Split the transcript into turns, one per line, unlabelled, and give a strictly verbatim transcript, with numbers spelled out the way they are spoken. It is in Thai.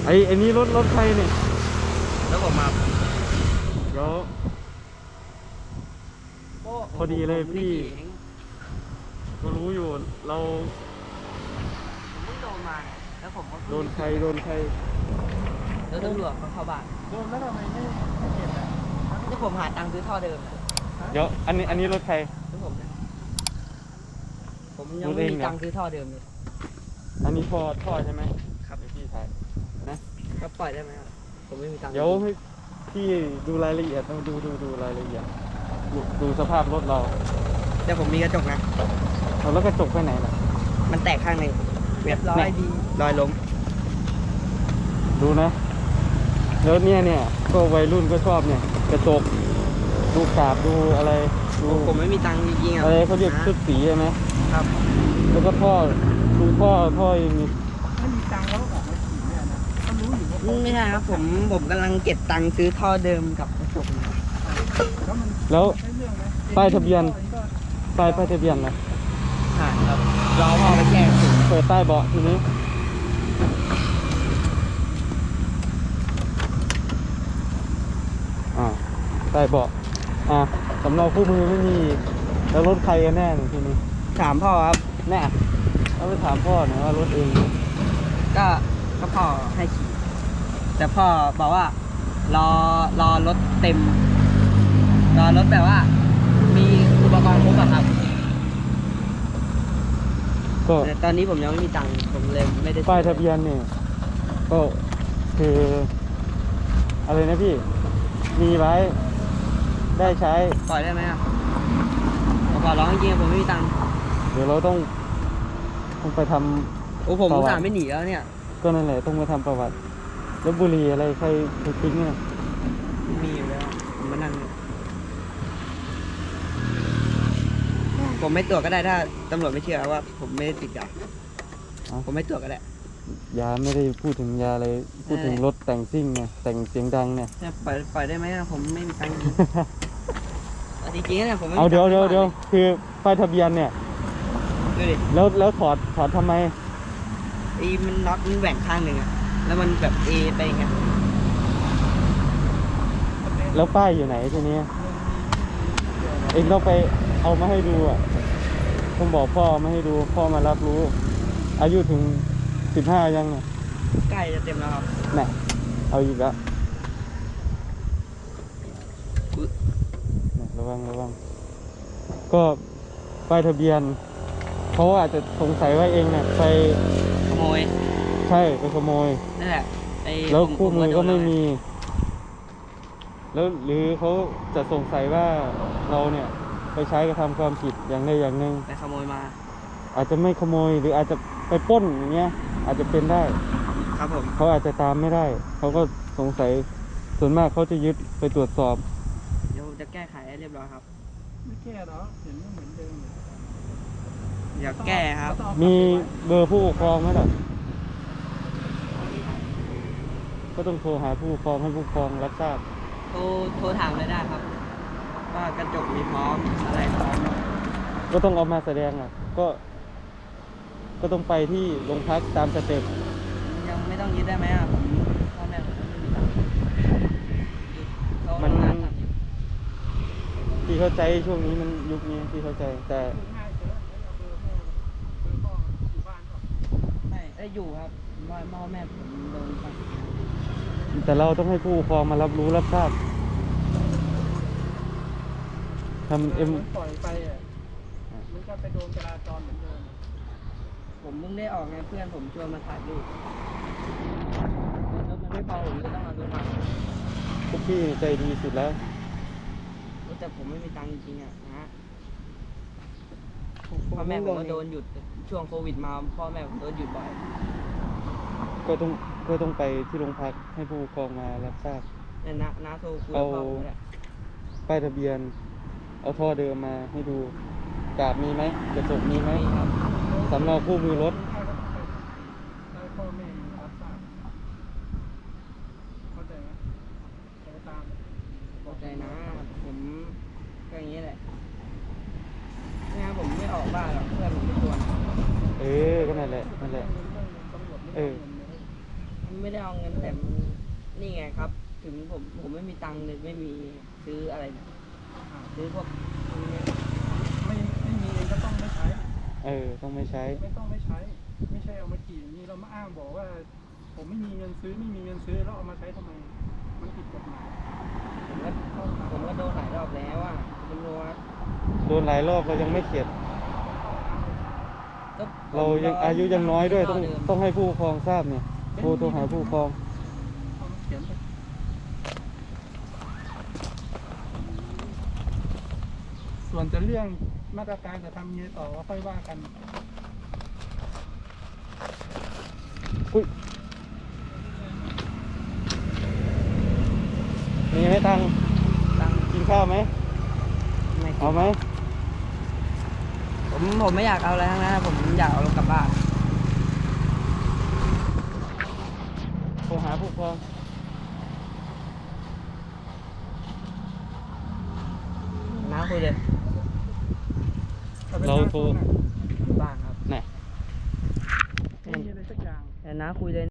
ไอ้ไอ้นี่รถรถใครเนี่ย
แล้วผมมา
เดี๋ยวพอดีเลยพี่ก็รู้อยู่เรา
ผมเพิ่งโดนมาแล้วผมก็
โดนใครโดนใคร
แล้วตำรวจเขาเข้าบ้าน
โดนแล้วทำไมไม่ไม่เก็บอ่ะ
ที่ผมหาตังค์ซื้อท่อเดิม
เดี๋ยวอันนี้อันนี้รถใคร
ที่ผมเนี่ยผมยังไม่มีตังค์ซื้อท่อเดิมเลย
อันนี้ท่อท่อใช่ไหม
ครับ
พี่ถ่ายนะ
ก็ปล่อยได้ไหมครับผมไม่มีตังค์
เดี๋ยวให้พี่ดูรายละเอียดต้องดูดูดูรายละเอียดดูดูสภาพรถเรา
เดี๋ยวผมมีกระจกนะ
เอาแล้วกระจกไปไหนล่ะ
มันแตกข้างหนึ่งเรียบร้อยดีรอยล้ม
ดูนะแล้วเนี่ยเนี่ยก็วัยรุ่นก็ชอบเนี่ยกระจกดูกาบดูอะไรดู
ผมไม่มีตังค์จริงๆ
อะไรเขาเรียกชุดสีใช่ไหม
ครับ
แล้วก็ท่อดูท่อท่ออย่างนี้
ไม่มีตังค์แล้วออกมาขี่เนี่ยนะเขารู้อยู่ว่า
ไม่ใช่ครับผมผมกำลังเก็บตังค์ซื้อท่อเดิมกับกระจก
แล้วป้ายทะเบียนป้ายป้ายทะเบียนนะ
หาครับรอพ่อไปแก้
เปิดใต้เบาะทีนี้อ่าใต้เบาะอ่าสำเนาคู่มือไม่มีแล้วรถใครกันแน่ทีนี้
ถามพ่อครับ
แน่เราไปถามพ่อหน่อยว่ารถเอง
ก็ก็พ่อให้ขี่แต่พ่อบอกว่ารอรอรถเต็มรอรถแบบว่ามีอุปกรณ์ครบอะครับก็ตอนนี้ผมยังไม่มีตังค์ผมเลยไม่ได้
ป้ายทะเบียนเนี่ยก็คืออะไรนะพี่มีไว้ได้ใช้
ปล่อยได้ไหมครับผมขอร้องจริงๆผมไม่มีตังค์
เดี๋ยวเราต้องต้องไปทำ
โอ้ผมอุตส่าห์ไม่หนีแล้วเนี่ย
ก็นั่นแหละต้องไปทำประวัติแล้วบุหรี่อะไรใครใครทิ้งเนี่ย
มีอยู่แล้วผมมานั่งผมไม่ตรวจก็ได้ถ้าตำรวจไม่เชื่อว่าผมไม่ได้ติดยาผมไม่ตรวจก็ได้
ยาไม่ได้พูดถึงยาอะไรพูดถึงรถแต่งซิ่งไงแต่งเสียงดังเนี่ย
ปล่อยปล่อยได้ไหมผมไม่มีตังค์จริงๆเนี่ยผม
เอาเดี๋ยวเดี๋ยวเดี๋ยวคือป้ายทะเบียนเนี่ย
ดูดิ
แล้วแล้วถอดถอดทำไม
ไอ้มันน็อตมันแหว่งข้างหนึ่งอะแล้วมันแบบเอไปไง
แล้วป้ายอยู่ไหนทีนี้เองต้องไปเอามาให้ดูอ่ะต้องบอกพ่อมาให้ดูพ่อมารับรู้อายุถึงสิบห้ายังเนี่ย
ใกล้จะเต็มแล้วครับ
แน่เอาอีกแล้วระวังระวังก็ป้ายทะเบียนเขาอาจจะสงสัยว่าเองเนี่ยไป
ขโมย
ใช่ไปขโมย
นั่นแหละ
แล้วคู่มือก็ไม่มีแล้วหรือเขาจะสงสัยว่าเราเนี่ยไปใช้กระทำความผิดอย่างใดอย่างหนึ่ง
ไปขโมยมา
อาจจะไม่ขโมยหรืออาจจะไปปล้นอย่างเงี้ยอาจจะเป็นได้
ครับผม
เขาอาจจะตามไม่ได้เขาก็สงสัยส่วนมากเขาจะยึดไปตรวจสอบ
เดี๋ยวจะแก้ไขให้เรียบร้อยครับ
ไม่แก้หรอเห็นเหมือนเดิม
อยากแก้ครับ
มีเบอร์ผู้ปกครองไหมล่ะก็ต้องโทรหาผู้ปกครองให้ผู้ปกครองรับทราบ
โทรโทรถามเลยได้ครับว่ากระจกมีพร้อมอะไรพร้อม
ก็ต้องเอามาแสดงอ่ะก็ก็ต้องไปที่โรงพักตามสเต็ป
ยังไม่ต้องยึดได้ไหมอ่ะพ่อแม่ผมไม่มีตังค์
มันที่เข้าใจช่วงนี้มันยุคนี้ที่เข้าใจแต่
ไม่ได้อยู่ครับพ่อแม่ผมโดนไป
แต่เราต้องให้ผู้ปกครองมารับรู้รับทราบทำเอ็ม
ปล่อยไปอ่ะมันก็ไปโดนจราจรเหมือนเดิม
ผมเพิ่งได้ออกไงเพื่อนผมชวนมาถ่ายรูปแล้วมันไม่พอผมก็ต้องเอาตัวมา
พวกพี่ใจดีสุดแล้ว
แต่ผมไม่มีตังค์จริงๆอ่ะนะพ่อแม่ผมก็โดนหยุดช่วงโควิดมาพ่อแม่ผมโดนหยุดบ่อย
ก็ต้องก็ต้องไปที่โรงพักให้ผู้ปกครองมารับทราบ
เนี่ยนะน้าโทรคุยกับพ่อผมแหละ
ป้ายทะเบียนเอาท่อเดิมมาให้ดูกาบมีไหมกระจกมีไหมสำเนาคู่มือรถ
พ่อแม่รับทราบเข้าใจไหมเข้าตาม
เข้าใจนะผมก็อย่างนี้แหละไม่งั้นผมไม่ออกบ้านหรอกเพื่อนผมไม่ชวน
เออก็นั่นแหละนั่นแหละเออ
ไม่ได้เอาเงินแต่มันนี่ไงครับ ถึงผมผมไม่มีตังค์เลยไม่มีซื้ออะไรเนี่ยซื้อพวกพวกนี้
ไม่ไม่มีเองก็ต้องไม่ใช้
เออ ต้องไม่ใช้
ไม่ต้องไม่ใช้ ไม่ใช่เอามาขี่อย่างนี้เรามาอ้างบอกว่า ผมไม่มีเงินซื้อไม่มีเงินซื้อแล้วเอามาใช้ทำไม มันผิดกฎหมาย
ผมก็ผมก็โดนหลายรอบแล้วอ่ะตำรวจ
โดนหลายรอบเรายังไม่เข็ด
ก็
เรายังอายุยังน้อยด้วยต้องต้องให้ผู้ปกครองทราบเนี่ยโทรโทรหาผู้ปกครอง
เอามาเขียนไปส่วนจะเรื่องมาตรการจะทำยังไงต่อก็ค่อยว่ากัน
อุ้ยมีไหมตังค์
ตังค์
กินข้าวไหม
ไม่กิน
เอาไหม
ผมผมไม่อยากเอาอะไรทั้งนั้นนะผมอยากเอารถกลับบ้าน
โทรหาผู้ปกครอง
น้าคุยเลย
เราโทร
บ้านครับ
ไหน
ไม่มีอะไรสักอย่าง
แต่น้าคุยเลย